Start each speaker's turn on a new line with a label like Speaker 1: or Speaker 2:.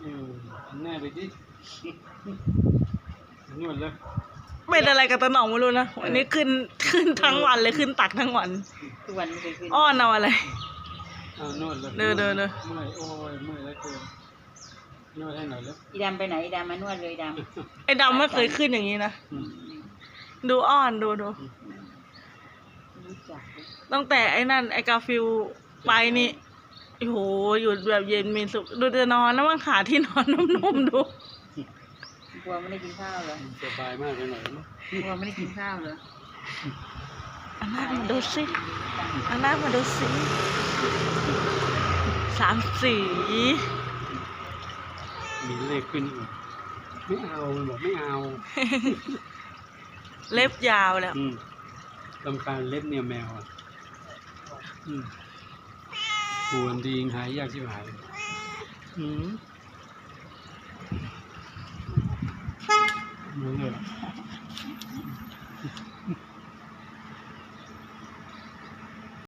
Speaker 1: แน่ไปดินวดแล้ว
Speaker 2: เป็นอะไรกับตาหน่องไม่รู้นะวันนี้ขึ้นทั้งวันเลยขึ้นตักทั้งวัน
Speaker 3: ทุกวันไม่เคยขึ้น
Speaker 2: อ้อนเอาอะไร
Speaker 1: นวดแล้ว
Speaker 2: เดิน
Speaker 1: เมื่อยโอ้ยเมื่อยแล้วเกินนวดให้หน่อยแล้ว
Speaker 3: อีดำไปไหนอีดำมานวดเลยดำ
Speaker 2: ไอ้ดำไม่เคยขึ้นอย่างนี้นะดูอ้อนดูตั้งแต่ไอ้นั่นไอ้กาฟิลไปนี่โอ้โหอยู่แบบเย็นมีสุขดูจะนอนแล้วมันขาที่นอนนุ่มๆดู
Speaker 3: กลัวไม่ได้กินข้าวเหรอ
Speaker 1: สบายมากเลยหน่อย
Speaker 3: กลัวไม่ได้กินข้าวเหรอ
Speaker 2: อันนั้นมาดูสิอันนั้นมาดูสิ3 สี
Speaker 1: มีเลขขึ้นอีกไม่เอาบอกไม่เอา
Speaker 2: เล็บยาวแล้ว
Speaker 1: ลำคาญเล็บเนี่ยแมวหัวดีหายยากชิบหายมือเลย